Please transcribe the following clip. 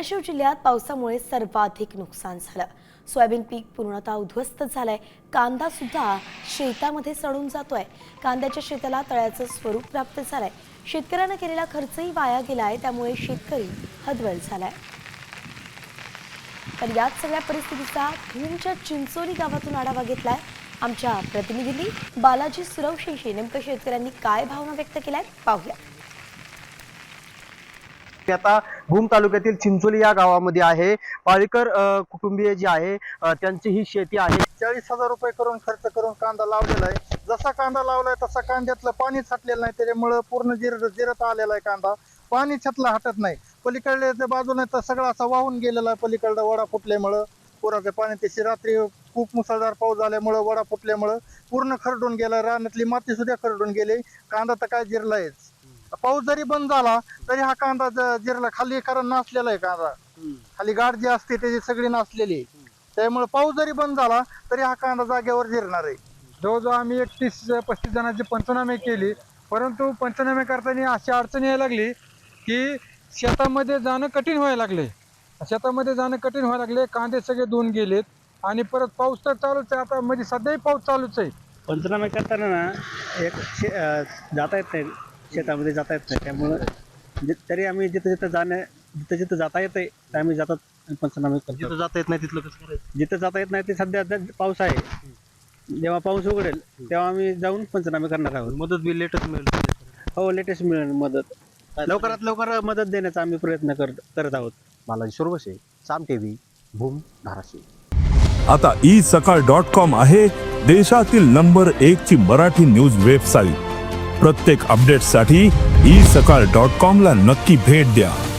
धाराशिव जिल्ह्यात पावसामुळे सर्वाधिक नुकसान झालं। सोयाबीन पीक पूर्णतः उद्ध्वस्त झालंय। कांदा सुद्धा शेतामध्ये सडून जातोय। कांद्याच्या शेताला तळ्याचं स्वरूप प्राप्त झालंय। शेतकऱ्यांना केलेला खर्चही वाया गेलाय, त्यामुळे शेतकरी हतबल झालाय। तर याच सगळ्या परिस्थितीचा भूमच्या चिंचोली गावातून आढावा घेतलाय आमच्या प्रतिनिधींनी। बालाजी सुरवशीशी नेमकं शेतकऱ्यांनी काय भावना व्यक्त केल्यात पाहूया। आता भूम तालुक्यातील चिंचोली या गावामध्ये आहे। पाळीकर कुटुंबीय जे आहे त्यांची ही शेती आहे। 40,000 रुपये करून खर्च करून कांदा लावलेला आहे। जसा कांदा लावलाय तसा कांद्यातलं पाणी छाटलेलं नाही, त्याच्यामुळे पूर्ण जिरत आलेला आहे कांदा। पाणी छाटला हटत नाही। पलीकडल्या बाजूने तर सगळा असा वाहून गेलेला आहे। पलीकडला वडा फुटल्यामुळं पुराचं पाणी त्याची रात्री खूप मुसळधार पाऊस झाल्यामुळे वडा फुटल्यामुळं पूर्ण खरडून गेला। रानातली माती सुद्धा खरडून गेली। कांदा तर काय जिरलायच। पाऊस जरी बंद झाला तरी हा कांदा जिरला खाली, कारण नासलेला आहे कांदा। खाली गाठ जी असते त्याची सगळी नासलेली, त्यामुळे पाऊस जरी बंद झाला तरी हा कांदा जागेवर जिरणार आहे। जवळजवळ आम्ही 31-35 जणांची पंचनामे केली, परंतु पंचनामे करताना अशी अडचण यायला लागली की शेतामध्ये जाणं कठीण व्हायला लागले। कांदे सगळे धुवून गेलेत आणि परत पाऊस तर चालूच आहे। आता म्हणजे सध्याही पाऊस चालूच आहे। पंचनामे करताना ना जाता येत नाही, शेतामध्ये जाता येत नाही। त्यामुळे तरी आम्ही जिथं जाता येते तर आम्ही जातात पंचनामे करतो। जिथं जाता येत नाही तिथलं कसं करायचं? जिथं जाता येत नाही ते सध्या पाऊस आहे। जेव्हा पाऊस उघडेल तेव्हा आम्ही जाऊन पंचनामे करणार आहोत। मदत बी लेटच मिळेल? हो, लेटेस्ट मिळेल मदत। लवकरात लवकर मदत देण्याचा आम्ही प्रयत्न करत आहोत। बालाजी सुरवशी, साम टीव्ही, भूम, धाराशिव। आता isakal.com आहे देशातील नंबर 1 ची मराठी न्यूज वेबसाईट। प्रत्येक अपडेटसाठी isakal.com ला नक्की भेट द्या।